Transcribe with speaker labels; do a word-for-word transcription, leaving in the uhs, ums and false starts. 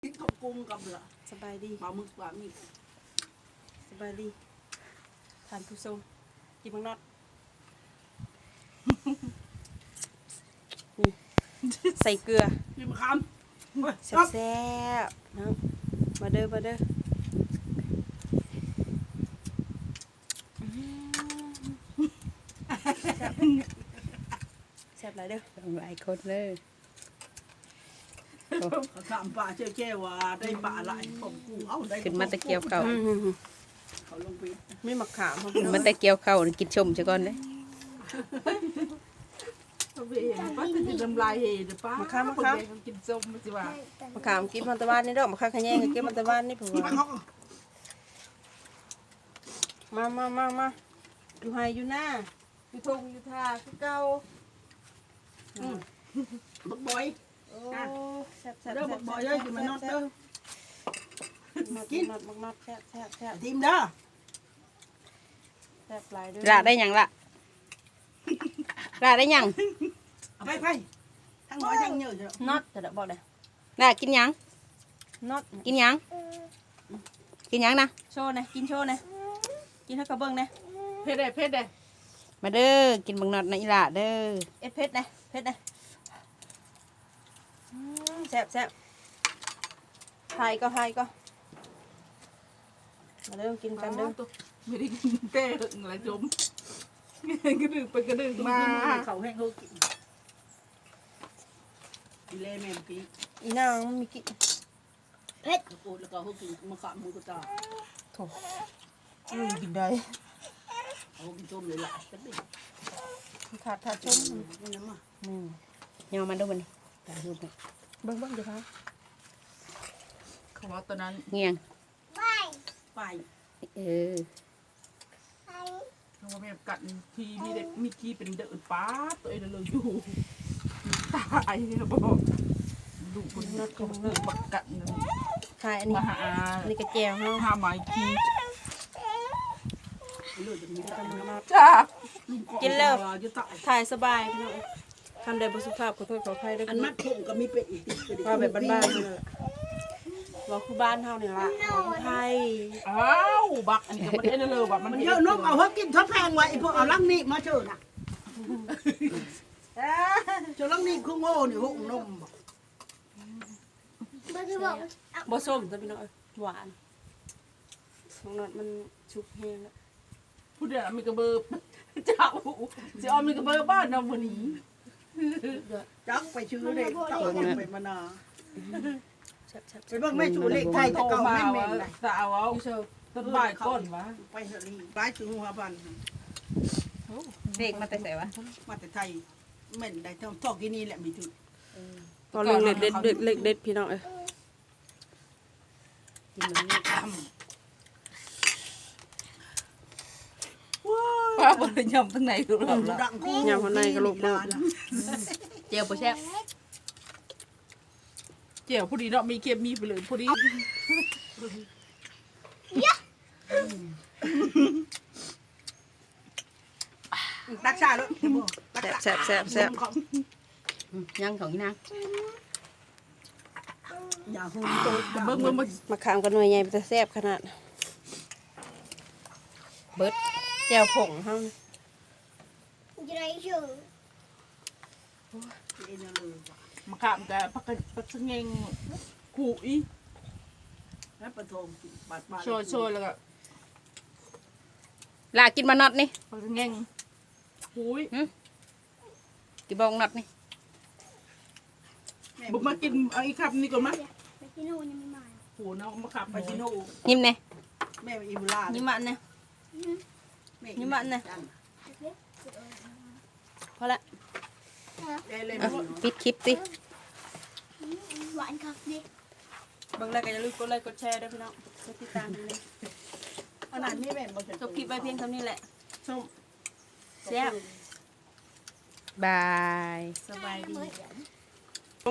Speaker 1: กินกับกุ้งกับเหลือ
Speaker 2: สบายดี
Speaker 1: ปลาหมึกปลาหมึก
Speaker 2: สบายดีทานผู้ชมกินมังนอดใส่เกลือ
Speaker 1: กินมะขาม
Speaker 2: แซ่บๆนะมาเด้อมาเด้อแซ่บหลายเด้อ
Speaker 3: หลายคนเลย
Speaker 1: มะขามปลาเชื่อแค่ว่าได้ปลาหลายผมกูเอาได้
Speaker 3: ขึ้นมาตะเกียบเข่า
Speaker 2: อืม
Speaker 1: เขาลงไป
Speaker 2: ไม่มะขามเขา
Speaker 3: ขึ้นมาตะเกียบเข่ากินชมซะก่อนเลย
Speaker 1: เขาไปเห็นป้าจะกินน้ำลายเห็นป้าม
Speaker 2: ะขามมะขาม
Speaker 1: เขากินส้มมันสิว่าม
Speaker 2: ะขามกินมันตะวันนี่เด้อมะขามขะแยงก็กินมันตะวันนี่ผมว่ามามามามาอยู่ไฮอยู่หน้าอยู่ทงอยู่ทาคือเก่า
Speaker 1: บักบอย
Speaker 2: โอ้แซ่บแซ่บ
Speaker 1: เด้อบักบอยเด้อกินมานอดเด้อ
Speaker 2: กินมักมักแซ่บแซ่บแซ่บ
Speaker 1: ทีมเด้อ
Speaker 2: แซ่บหลายเด้อ
Speaker 3: ละได้หยังละละได้หยัง
Speaker 1: เอาไปไปทั้งน้อยทั้งเยอะจ้ะ
Speaker 2: น็อตจะได้บอกเลย
Speaker 3: ละกินหยัง
Speaker 2: น็อต
Speaker 3: กินหยังกินหยังนะ
Speaker 2: โชว์นะกินโชว์นะกินให้กระเบื้องนะ
Speaker 1: เพชรเด้เพชรเด้
Speaker 3: มาเด้อกินบังนอดในอีหละเด้อ
Speaker 2: เอ็ดเพชรนะเพชรนะอืมแซ่บแซ่บไทยก็ไทยก็มาเริ่มกินกันเด้อ
Speaker 1: ไม่ได้กินเต้หึงอะไรจมกระดึงไปกระดึงมาเขาแห้งเขากินกินเล่แม่ปี
Speaker 2: อีนางมันมีกิน
Speaker 1: เพชรโอ้แล้วก็เขากินมะขามหมูกระจา
Speaker 2: โถอืมกินได้
Speaker 1: เขากินส้มเลยล่ะจะเป็น
Speaker 2: ขาดขาดชม
Speaker 1: นี่น้ำมา
Speaker 2: อืม
Speaker 3: ยอมมาดูมันนี่ตาดูมัน
Speaker 2: เบิ้งเบิ้งเดี๋ยวครับ
Speaker 1: เขาว่าตอนนั้น
Speaker 3: เงียง
Speaker 1: ไป
Speaker 3: เออ
Speaker 1: เขาว่าแม่กัดทีมีเด็กมีขี้เป็นเดือดป้าตัวเองเลยอยู่ตายเนี่ยบอกดูคนนัดเขาเลือกบักกัดนึง
Speaker 2: ไทยอันนี้
Speaker 1: มาหา
Speaker 2: อันนี้กระเจียวเนาะ
Speaker 1: หาไม้ขี้เลือดจะมี
Speaker 2: กำลังมา
Speaker 1: จ้า
Speaker 2: กินแล้ว
Speaker 1: จะตาย
Speaker 2: ถ่ายสบายพี่น้องทำได้บสุภาพขอโทษขออภัยด้วย
Speaker 1: อันมัดผมก็มีเป็ดอีกติดเป็ด
Speaker 2: ว่าแบบบ้านๆนี่แหละว่าคือบ้านเฮานี่ล่ะของไทย
Speaker 1: อ้าวบักอันนี้ก็ไม่ได้เลยบักมันเยอะนกเอาเขากินทอดแพงไว้พวกเอาลังนี่มาเชิญน่ะเจ้าลังนี่คือโง่นี่หกนม
Speaker 2: บ่ส้มจ้ะพี่น้องเอ้ยหวานน้องนอดมันชุกแห้งแล้ว
Speaker 1: ผู้เดียวมีกระเบอร์เจ้าเจ้ามีกระเบอร์บ้านนำวันนี้จักไปชื่อเลยเต่าไปมานา
Speaker 2: แซ่บ
Speaker 1: ไปเบิ่งแม่ชูเล็กไทยจะเก่าแม่แม่ไหนสาวเอา
Speaker 2: ๆพี่โชว์
Speaker 1: ต้นบ่ายก้นวะไปเฮลีไปถึงหัวพัน
Speaker 3: เด็กมาแต่ใส่วะ
Speaker 1: มาแต่ไทยเหม็นได้ทองทอกที่นี่แหละมีถึง
Speaker 2: ตอนเล็กเด็ดเด็ดเล็กเด็ดพี่น้องเอ้ย
Speaker 3: กินมันนี่
Speaker 1: ป้าบริยมทั้งไหนดูเราละ
Speaker 2: ยำข้างในกระโหลกเด้อ
Speaker 3: เจียวโปแซ่บ
Speaker 1: เจียวพอดีเนาะมีเค็มมีไปเลยพอดีตักชาแล้ว
Speaker 2: แซ่บแซ่บแซ่บแซ่บ
Speaker 3: ยังของอีนาง
Speaker 1: อย่าหุ่นโตเบิ่งเบิ่ง
Speaker 2: มะขามกันหน่วยใหญ่มันจะแซ่บขนาด
Speaker 3: เบิด
Speaker 2: แจ่วผงเฮานี่
Speaker 1: มะขามแต่ปักปักเงงขู่อีแล้วปะทงบาดบาดโชยโชยแล้วก็
Speaker 3: ลากินมานอดนี่
Speaker 1: ปักเงงหูย
Speaker 3: กินบังนอดนี่
Speaker 1: บุกมากินเอาอีกครับนี่ก่อนมั้ยหูน้องมะขามไปชิโน่
Speaker 3: ยิ้มเน่
Speaker 1: แม่อีบุลา
Speaker 2: นี่มันเนี่ย นี่มันน่ะ พอละ
Speaker 1: ได้เลย
Speaker 3: อ่ะปิดคลิปสิ
Speaker 4: หวานครับดิ
Speaker 2: เบิ่งแล้วก็อย่าลืมกดไลค์กดแชร์ด้วยพี่น้องกดติดตามด้วย
Speaker 1: ขนาดนี้แม่บ่เสร็จ
Speaker 2: จบคลิปไว้เพียงเท่านี้แหละ
Speaker 1: ส้ม
Speaker 2: แซ่บ
Speaker 3: บาย
Speaker 2: สบายดี
Speaker 4: เหมือน